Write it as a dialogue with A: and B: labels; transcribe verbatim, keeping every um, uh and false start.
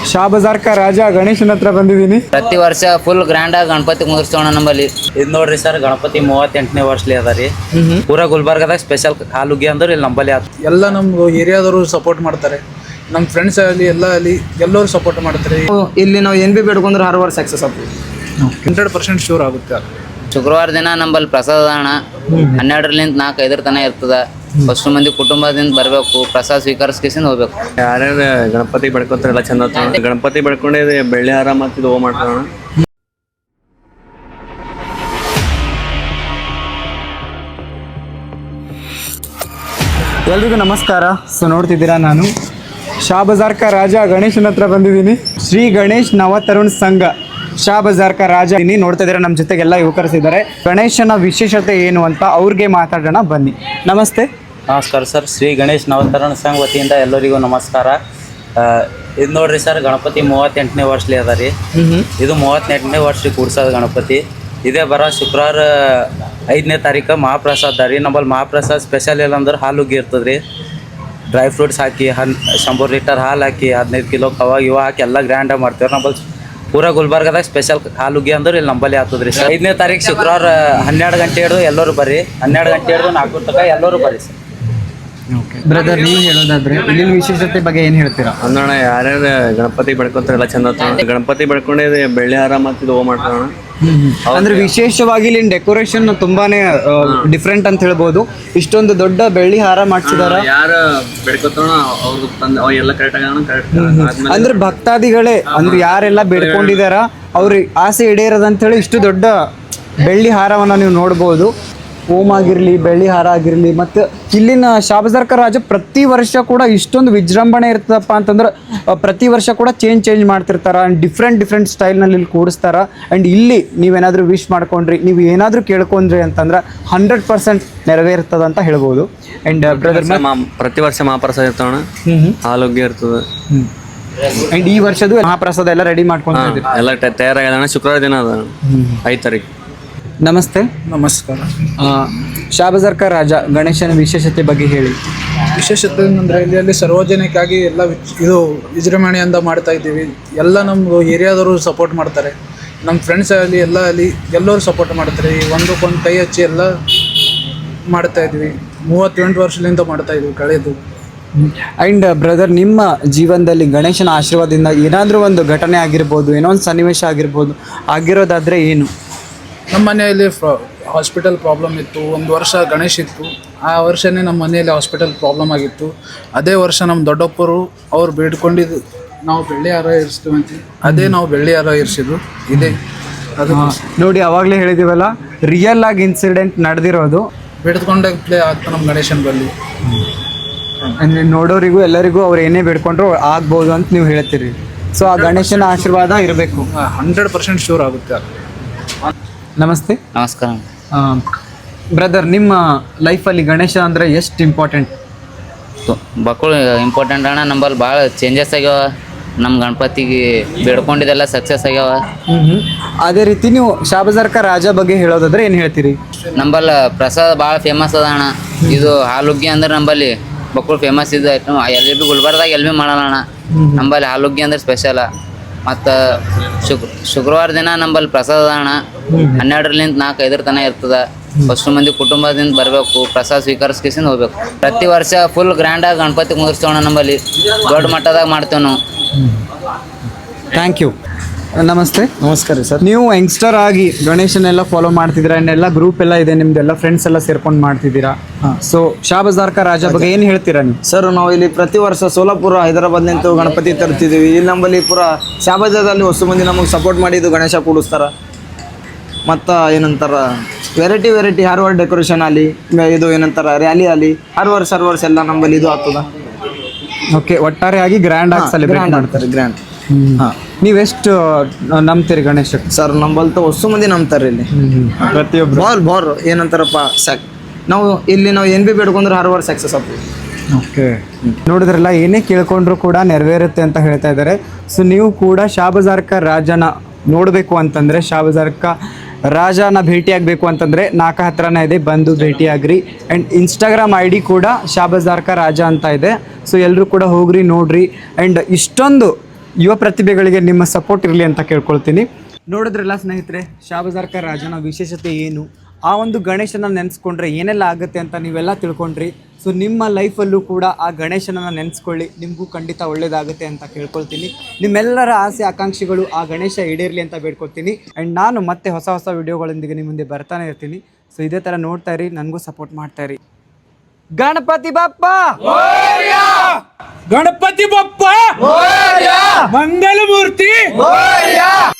A: ಶಾ ಬಜಾರ್ ಕ ರಾಜ ಗಣೇಶನ ಹತ್ರ ಬಂದಿದ್ದೀನಿ.
B: ಪ್ರತಿ ವರ್ಷ ಫುಲ್ ಗ್ರ್ಯಾಂಡ್ ಆಗಿ ಗಣಪತಿ ಕುಂದಿರ್ಸೋಣ ನಮ್ಮಲ್ಲಿ.
C: ಇದು ನೋಡ್ರಿ ಸರ್, ಗಣಪತಿ ಮೂವತ್ತೆಂಟನೇ ವರ್ಷಲಿ ಅದ ರೀ. ಪೂರಾ ಗುಲ್ಬರ್ಗದಾಗ ಸ್ಪೆಷಲ್ ಹಾಲುಗಿ ಅಂದ್ರೆ ಇಲ್ಲಿ ನಂಬಲ್ಲಿ ಆತ.
D: ಎಲ್ಲ ನಮ್ಮ ಏರಿಯಾದವರು ಸಪೋರ್ಟ್ ಮಾಡ್ತಾರೆ, ನಮ್ಮ ಫ್ರೆಂಡ್ಸ್ ಆಗಲಿ ಎಲ್ಲ ಅಲ್ಲಿ ಎಲ್ಲರೂ ಸಪೋರ್ಟ್ ಮಾಡ್ತಾರೆ.
E: ಇಲ್ಲಿ ನಾವು ಏನು ಬಿ ಬೇಡ್ಕೊಂಡ್ರೆ ಹರ್ ವರ್ಷ ಸಕ್ಸಸ್ ಆಗ್ತದೆ,
D: ಹಂಡ್ರೆಡ್ ಪರ್ಸೆಂಟ್ ಶೂರ್ ಆಗುತ್ತೆ.
B: ಶುಕ್ರವಾರ ದಿನ ನಂಬಲ್ಲಿ ಪ್ರಸಾದ ಹಣ ಹನ್ನೆರಡರಿಂದ ನಾಲ್ಕು ಐದರ ತನಕ ಇರ್ತದ. ಫಸ್ಟ್ ಮಂದಿ ಕುಟುಂಬದಿಂದ ಬರಬೇಕು, ಪ್ರಸಾದ ಸ್ವೀಕರಿಸ್ಕೇಸಿಂದ ಹೋಗ್ಬೇಕು.
F: ಯಾರ್ಯಾರು ಗಣಪತಿ ಬೆಳ್ಕೊಂತಾರೆ ಎಲ್ಲ ಚಂದ. ಗಣಪತಿ ಬೆಳ್ಕೊಂಡೆ ಬೆಳ್ಳಿ ಹಾರ ಮತ್ತು ಇದು ಮಾಡ್ತಾರ.
A: ಎಲ್ರಿಗೂ ನಮಸ್ಕಾರ. ಸೊ ನೋಡ್ತಿದ್ದೀರಾ, ನಾನು ಶಾ ಬಜಾರ್ ಕ ರಾಜ ಗಣೇಶನ ಹತ್ರ ಬಂದಿದ್ದೀನಿ. ಶ್ರೀ ಗಣೇಶ್ ನವತರುಣ್ ಸಂಘ ಶಾ ಬಜಾರ್ ಕ ರಾಜ ಇಲ್ಲಿ ನೋಡ್ತಾ ಇದ್ದೀರಾ. ನಮ್ಮ ಜೊತೆಗೆಲ್ಲ ಯುವಕರಿಸಿದ್ದಾರೆ. ಗಣೇಶನ ವಿಶೇಷತೆ ಏನು ಅಂತ ಅವ್ರಿಗೆ ಮಾತಾಡೋಣ ಬನ್ನಿ. ನಮಸ್ತೆ.
C: ನಮಸ್ಕಾರ ಸರ್. ಶ್ರೀ ಗಣೇಶ್ ನವತರುಣ ಸಂಘ ವತಿಯಿಂದ ಎಲ್ಲರಿಗೂ ನಮಸ್ಕಾರ. ಇದು ನೋಡ್ರಿ ಸರ್, ಗಣಪತಿ ಮೂವತ್ತೆಂಟನೇ ವರ್ಷಲಿ ಅದ ರೀ. ಇದು ಮೂವತ್ತೆಂಟನೇ ವರ್ಷ ಕೂಡ್ಸೋದು ಗಣಪತಿ. ಇದೇ ಬರೋ ಶುಕ್ರವಾರ ಐದನೇ ತಾರೀಕು ಮಹಾಪ್ರಸಾದ ರೀ. ನಮ್ಮಲ್ಲಿ ಮಹಾಪ್ರಸಾದ ಸ್ಪೆಷಲ್ ಇಲ್ಲ ಅಂದ್ರೆ ಹಾಲುಗ್ಗಿ ಇರ್ತದೆ ರೀ. ಡ್ರೈ ಫ್ರೂಟ್ಸ್ ಹಾಕಿ ಹನ್ ಶಂಬರ್ ಲೀಟರ್ ಹಾಲು ಹಾಕಿ ಹದಿನೈದು ಕಿಲೋ ಕವಾಗ ಇವ ಹಾಕಿ ಎಲ್ಲ ಗ್ರ್ಯಾಂಡಾಗಿ ಮಾಡ್ತೀವಿ. ನಮ್ಮಲ್ಲಿ ಪೂರಾ ಗುಲ್ಬರ್ಗದಾಗ ಸ್ಪೆಷಲ್ ಹಾಲುಗ್ಗಿ ಅಂದ್ರೆ ಇಲ್ಲಿ ನಂಬಲ್ಲಿ ಆಗ್ತದೆ ರೀ ಸರ್. ಐದನೇ ತಾರೀಕು ಶುಕ್ರವಾರ ಹನ್ನೆರಡು ಗಂಟೆ ಹಿಡಿದು ಎಲ್ಲರೂ ಬರ್ರಿ. ಹನ್ನೆರಡು ಗಂಟೆ ಹಿಡಿದು ನಾಲ್ಕು ತನಕ ಎಲ್ಲರೂ ಬರ್ರಿ ಸರ್.
A: ಬ್ರದರ್, ನೀವು ಹೇಳೋದಾದ್ರೆ ಇಲ್ಲಿನ ವಿಶೇಷತೆ ಬಗ್ಗೆ ಏನು ಹೇಳ್ತೀರಾ?
F: ಅಂದ್ರಣ ಯಾರ್ಯಾರು ಗಣಪತಿ ಬೆಳ್ಕೊಂತಾರೆ ಎಲ್ಲ ಚಂದ. ಗಣಪತಿ ಬೆಳ್ಕೊಂಡೆ ಬೆಳ್ಳಿ ಹಾರ ಮತ್ತು ಇದು ಮಾಡ್ತಾರ.
A: ಅಂದ್ರೆ ವಿಶೇಷವಾಗಿ ಇಲ್ಲಿನ ಡೆಕೋರೇಷನ್ ತುಂಬಾನೇ ಡಿಫ್ರೆಂಟ್ ಅಂತ ಹೇಳ್ಬೋದು. ಇಷ್ಟೊಂದು ದೊಡ್ಡ ಬೆಳ್ಳಿ ಹಾರ ಮಾಡಿಸಿದಾರ.
F: ಯಾರು ಬೆಳ್ಕೊತಾರ ಅವ್ರಿಗೆ ತಂದು ಅವ್ ಎಲ್ಲ ಕರೆಕ್ಟ್ ಆಗ ಕರೆಕ್ಟ್.
A: ಅಂದ್ರೆ ಭಕ್ತಾದಿಗಳೇ ಅಂದ್ರೆ ಯಾರೆಲ್ಲ ಬೇಡ್ಕೊಂಡಿದಾರ ಅವ್ರ ಆಸೆ ಈಡೇರದಂತ ಹೇಳಿ ಇಷ್ಟು ದೊಡ್ಡ ಬೆಳ್ಳಿ ಹಾರವನ್ನ ನೀವು ನೋಡ್ಬೋದು. ಓಮ್ ಆಗಿರಲಿ, ಬೆಳ್ಳಿ ಹಾರ ಆಗಿರಲಿ. ಮತ್ತು ಇಲ್ಲಿನ ಶಾ ಬಜಾರ್ ಕ ರಾಜ ಪ್ರತಿ ವರ್ಷ ಕೂಡ ಇಷ್ಟೊಂದು ವಿಜೃಂಭಣೆ ಇರ್ತದಪ್ಪ ಅಂತಂದ್ರೆ ಪ್ರತಿ ವರ್ಷ ಕೂಡ ಚೇಂಜ್ ಚೇಂಜ್ ಮಾಡ್ತಿರ್ತಾರೆ. ಆ್ಯಂಡ್ ಡಿಫ್ರೆಂಟ್ ಡಿಫ್ರೆಂಟ್ ಸ್ಟೈಲ್ನಲ್ಲಿ ಇಲ್ಲಿ ಕೂಡಿಸ್ತಾರೆ. ಆ್ಯಂಡ್ ಇಲ್ಲಿ ನೀವೇನಾದರೂ ವಿಶ್ ಮಾಡ್ಕೊಂಡ್ರಿ, ನೀವು ಏನಾದರೂ ಕೇಳ್ಕೊಂಡ್ರಿ ಅಂತಂದ್ರೆ ಹಂಡ್ರೆಡ್ ಪರ್ಸೆಂಟ್ ನೆರವೇರ್ತದೆ ಅಂತ ಹೇಳ್ಬೋದು. ಆ್ಯಂಡ್ ಬ್ರದರ್,
F: ಪ್ರತಿ ವರ್ಷ ಮಹಾಪ್ರಸಾದ ಇರ್ತಾವಣ, ಹಾಲುಗ್ಗಿ ಇರ್ತದೆ.
A: ಆ್ಯಂಡ್ ಈ ವರ್ಷದ್ದು ಮಹಾಪ್ರಸಾದ ಎಲ್ಲ ರೆಡಿ ಮಾಡ್ಕೊಂಡಿದ್ದೀವಿ,
F: ಎಲ್ಲ ತಯಾರಾಗಣ. ಶುಕ್ರವಾರ ದಿನ ಅದ ಐದು ತಾರೀಕು.
A: ನಮಸ್ತೆ.
D: ನಮಸ್ಕಾರ.
A: ಶಾ ಬಜಾರ್ ಕ ರಾಜ ಗಣೇಶನ ವಿಶೇಷತೆ ಬಗ್ಗೆ ಹೇಳಿ.
D: ವಿಶೇಷತೆ ಏನಂದರೆ ಇಲ್ಲಿ ಅಲ್ಲಿ ಸಾರ್ವಜನಿಕವಾಗಿ ಎಲ್ಲ ಇದು ವಿಜೃಂಭಣೆಯಿಂದ ಮಾಡ್ತಾ ಇದ್ದೀವಿ. ಎಲ್ಲ ನಮ್ಮ ಏರಿಯಾದವರು ಸಪೋರ್ಟ್ ಮಾಡ್ತಾರೆ, ನಮ್ಮ ಫ್ರೆಂಡ್ಸ್ ಆಗಲಿ ಎಲ್ಲ ಅಲ್ಲಿ ಎಲ್ಲರೂ ಸಪೋರ್ಟ್ ಮಾಡ್ತಾರೆ. ಒಂದಕ್ಕೊಂದು ಕೈ ಹಚ್ಚಿ ಎಲ್ಲ ಮಾಡ್ತಾ ಇದ್ವಿ. ಮೂವತ್ತೆಂಟು ವರ್ಷದಿಂದ ಮಾಡ್ತಾ ಇದ್ವಿ ಕಳೆದು.
A: ಆ್ಯಂಡ್ ಬ್ರದರ್, ನಿಮ್ಮ ಜೀವನದಲ್ಲಿ ಗಣೇಶನ ಆಶೀರ್ವಾದದಿಂದ ಏನಾದರೂ ಒಂದು ಘಟನೆ ಆಗಿರ್ಬೋದು, ಏನೋ ಒಂದು ಸನ್ನಿವೇಶ ಆಗಿರ್ಬೋದು, ಆಗಿರೋದಾದರೆ ಏನು?
D: ನಮ್ಮ ಮನೆಯಲ್ಲಿ ಹಾಸ್ಪಿಟಲ್ ಪ್ರಾಬ್ಲಮ್ ಇತ್ತು. ಒಂದು ವರ್ಷ ಗಣೇಶ್ ಇತ್ತು. ಆ ವರ್ಷವೇ ನಮ್ಮ ಮನೆಯಲ್ಲಿ ಹಾಸ್ಪಿಟಲ್ ಪ್ರಾಬ್ಲಮ್ ಆಗಿತ್ತು. ಅದೇ ವರ್ಷ ನಮ್ಮ ದೊಡ್ಡಪ್ಪರು ಅವ್ರು ಬೇಡ್ಕೊಂಡಿದ್ದು ನಾವು ಬೆಳ್ಳಿ ಹಾರ ಇರಿಸ್ತೀವಿ ಅಂತ, ಅದೇ ನಾವು ಬೆಳ್ಳಿ ಹಾರ ಇರಿಸಿದ್ದು ಇದೆ. ಅದು
A: ನೋಡಿ, ಅವಾಗಲೇ ಹೇಳಿದ್ದೀವಲ್ಲ, ರಿಯಲ್ ಆಗಿ ಇನ್ಸಿಡೆಂಟ್ ನಡೆದಿರೋದು.
D: ಬೇಡ್ಕೊಂಡಾಗ ಪ್ಲೇ ಆಗ್ತಾ ನಮ್ಮ ಗಣೇಶನ ಬಲ್ಲಿ.
A: ಅಂದರೆ ನೋಡೋರಿಗೂ ಎಲ್ಲರಿಗೂ ಅವ್ರು ಏನೇ ಬೇಡ್ಕೊಂಡ್ರು ಆಗ್ಬೋದು ಅಂತ ನೀವು ಹೇಳ್ತೀರಿ. ಸೊ ಆ ಗಣೇಶನ ಆಶೀರ್ವಾದ ಇರಬೇಕು.
D: ಹಂಡ್ರೆಡ್ ಪರ್ಸೆಂಟ್ ಶೂರ್ ಆಗುತ್ತೆ.
A: ನಮಸ್ತೆ.
B: ನಮಸ್ಕಾರ
A: ಬ್ರದರ್, ನಿಮ್ಮ ಲೈಫಲ್ಲಿ ಗಣೇಶ ಅಂದರೆ ಎಷ್ಟು ಇಂಪಾರ್ಟೆಂಟ್?
B: ಮಕ್ಕಳು ಇಂಪಾರ್ಟೆಂಟ್ ಅಣ್ಣ. ನಂಬಲ್ಲಿ ಭಾಳ ಚೇಂಜಸ್ ಆಗ್ಯಾವ. ನಮ್ಮ ಗಣಪತಿಗೆ ಬೇಡ್ಕೊಂಡಿದ್ದೆಲ್ಲ ಸಕ್ಸಸ್ ಆಗ್ಯಾವ.
A: ಅದೇ ರೀತಿ ನೀವು ಶಾ ಬಜಾರ್ ಕ ರಾಜ ಬಗ್ಗೆ ಹೇಳೋದಾದ್ರೆ ಏನು ಹೇಳ್ತೀರಿ?
B: ನಂಬಲ್ಲಿ ಪ್ರಸಾದ ಭಾಳ ಫೇಮಸ್ ಅದ ಅಣ್ಣ. ಇದು ಹಾಲುಗ್ಗಿ ಅಂದ್ರೆ ನಂಬಲ್ಲಿ ಮಕ್ಕಳು ಫೇಮಸ್ ಇದು ಐಟಮ್. ಎಲ್ಲಿ ಭೀ ಗುಲ್ಬರ್ದಾಗ ಎಲ್ಲಿ ಭೀ ಮಾಡೋಣ ಅಣ್ಣ. ನಂಬಲ್ಲಿ ಹಾಲುಗ್ಗಿ ಅಂದ್ರೆ ಸ್ಪೆಷಲ. ಮತ್ತು ಶುಕ್ರ ಶುಕ್ರವಾರ ದಿನ ನಂಬಲ್ಲಿ ಪ್ರಸಾದ ಹಣ ಹನ್ನೆರಡರಿಂದ ನಾಲ್ಕು ಐದರ ತನಕ ಇರ್ತದೆ. ಫಸ್ಟ್ ಮಂದಿ ಕುಟುಂಬದಿಂದ ಬರಬೇಕು, ಪ್ರಸಾದ ಸ್ವೀಕರಿಸ್ಕೇಸಿಂದ ಹೋಗ್ಬೇಕು. ಪ್ರತಿ ವರ್ಷ ಫುಲ್ ಗ್ರ್ಯಾಂಡಾಗಿ ಗಣಪತಿ ಕುಂದಿರ್ಸೋಣ ನಮ್ಮಲ್ಲಿ. ದೊಡ್ಡ ಮಟ್ಟದಾಗ ಮಾಡ್ತೇವೆ ನಾವು.
A: Thank you. ನಮಸ್ತೆ.
E: ನಮಸ್ಕಾರ ರೀ ಸರ್.
A: ನೀವು ಯಂಗ್ಸ್ಟರ್ ಆಗಿ ಗಣೇಶನೆಲ್ಲ ಫಾಲೋ ಮಾಡ್ತಿದ್ದೀರಾ, ಆ್ಯಂಡ್ ಎಲ್ಲ ಗ್ರೂಪ್ ಎಲ್ಲ ಇದೆ ನಿಮ್ದೆಲ್ಲ, ಫ್ರೆಂಡ್ಸ್ ಎಲ್ಲ ಸೇರ್ಕೊಂಡು ಮಾಡ್ತಿದ್ದೀರಾ. ಸೊ ಶಾ ಬಜಾರ್ ಕ ರಾಜ ಬಗ್ಗೆ ಏನು ಹೇಳ್ತೀರಾ ನೀವು?
E: ಸರ್, ನಾವು ಇಲ್ಲಿ ಪ್ರತಿ ವರ್ಷ ಸೋಲಾಪುರ ಹೈದರಾಬಾದ್ ನಿಂತು ಗಣಪತಿ ತರ್ತಿದ್ದೀವಿ. ಇಲ್ಲಿ ನಮ್ಮಲ್ಲಿ ಪೂರ ಶಾ ಬಜಾರ್ದಲ್ಲಿ ಹೊಸ ಮಂದಿ ನಮಗೆ ಸಪೋರ್ಟ್ ಮಾಡಿದ್ದು ಗಣೇಶ ಕೂಡಿಸ್ತಾರ. ಮತ್ತು ಏನಂತಾರ ವೆರೈಟಿ ವೆರೈಟಿ ಹರ್ ವರ್ಷ ಡೆಕೋರೇಷನ್ ಆಗಲಿ, ಇದು ಏನಂತಾರ ರ್ಯಾಲಿ ಆಗಲಿ, ಹರ್ ವರ್ಷ ಹರ್ ವರ್ಷ ಎಲ್ಲ ನಮ್ಮಲ್ಲಿ ಇದು ಆಗ್ತದ.
A: ಓಕೆ, ಒಟ್ಟಾರೆಯಾಗಿ ಗ್ರ್ಯಾಂಡ್ ಆಗಿ ಸೆಲೆಬ್ರೇಟ್ ಮಾಡ್ತಾರೆ.
E: ಗ್ರ್ಯಾಂಡ್.
A: ಹಾಂ, ನೀವೆಷ್ಟು ನಂಬ್ತೀರಿ ಗಣೇಶ?
E: ಸರ್, ನಂಬಲ್ತ ಹೊಸ ಮಂದಿ ನಂಬ್ತಾರೆ ಇಲ್ಲಿ
A: ಪ್ರತಿಯೊಬ್ಬರು.
E: ಬಾರ್ ಬಾರ್ ಏನಂತಾರಪ್ಪ ಸಾಕ್. ನಾವು ಇಲ್ಲಿ ನಾವು ಏನು ಬಿ ಬೇಡ್ಕೊಂಡ್ರೆ ಹರ್ ವರ್ಷ ಸಕ್ಸಸ್ ಆಗ್ತದೆ.
A: ಓಕೆ, ನೋಡಿದ್ರಲ್ಲ, ಏನೇ ಕೇಳ್ಕೊಂಡ್ರು ಕೂಡ ನೆರವೇರುತ್ತೆ ಅಂತ ಹೇಳ್ತಾ ಇದ್ದಾರೆ. ಸೊ ನೀವು ಕೂಡ ಶಾ ಬಜಾರ್ ಕ ರಾಜನ ನೋಡಬೇಕು ಅಂತಂದರೆ, ಶಾ ಬಜಾರ್ ಕ ರಾಜನ ಭೇಟಿ ಆಗಬೇಕು ಅಂತಂದರೆ ನಾಲ್ಕು ಹತ್ರನೇ ಇದೆ, ಬಂದು ಭೇಟಿ ಆಗ್ರಿ. ಆ್ಯಂಡ್ ಇನ್ಸ್ಟಾಗ್ರಾಮ್ ಐ ಡಿ ಕೂಡ ಶಾ ಬಜಾರ್ ಕ ರಾಜ ಅಂತ ಇದೆ. ಸೊ ಎಲ್ಲರೂ ಕೂಡ ಹೋಗ್ರಿ, ನೋಡ್ರಿ. ಆ್ಯಂಡ್ ಇಷ್ಟೊಂದು ಯುವ ಪ್ರತಿಭೆಗಳಿಗೆ ನಿಮ್ಮ ಸಪೋರ್ಟ್ ಇರಲಿ ಅಂತ ಕೇಳ್ಕೊಳ್ತೀನಿ. ನೋಡಿದ್ರಲ್ಲ ಸ್ನೇಹಿತರೆ, ಶಾಬಜಾರ್ಕ ರಾಜನ ವಿಶೇಷತೆ ಏನು, ಆ ಒಂದು ಗಣೇಶನ ನೆನೆಸ್ಕೊಂಡ್ರೆ ಏನೆಲ್ಲ ಆಗುತ್ತೆ ಅಂತ ನೀವೆಲ್ಲ ತಿಳ್ಕೊಂಡ್ರಿ. ಸೊ ನಿಮ್ಮ ಲೈಫಲ್ಲೂ ಕೂಡ ಆ ಗಣೇಶನನ್ನು ನೆನೆಸ್ಕೊಳ್ಳಿ, ನಿಮಗೂ ಖಂಡಿತ ಒಳ್ಳೇದಾಗುತ್ತೆ ಅಂತ ಕೇಳ್ಕೊಳ್ತೀನಿ. ನಿಮ್ಮೆಲ್ಲರ ಆಸೆ ಆಕಾಂಕ್ಷೆಗಳು ಆ ಗಣೇಶ ಈಡೇರಲಿ ಅಂತ ಬೇಡ್ಕೊಳ್ತೀನಿ. ಆ್ಯಂಡ್ ನಾನು ಮತ್ತೆ ಹೊಸ ಹೊಸ ವಿಡಿಯೋಗಳೊಂದಿಗೆ ನಿಮ್ಮ ಮುಂದೆ ಬರ್ತಾನೆ ಇರ್ತೀನಿ. ಸೊ ಇದೇ ಥರ ನೋಡ್ತಾ ಇರಿ, ನನಗೂ ಸಪೋರ್ಟ್ ಮಾಡ್ತಾ ಇರಿ. ಗಣಪತಿ ಬಪ್ಪ
D: ಗಣಪತಿ ಬಪ್ಪ ಮಂಗಲ ಮೂರ್ತಿ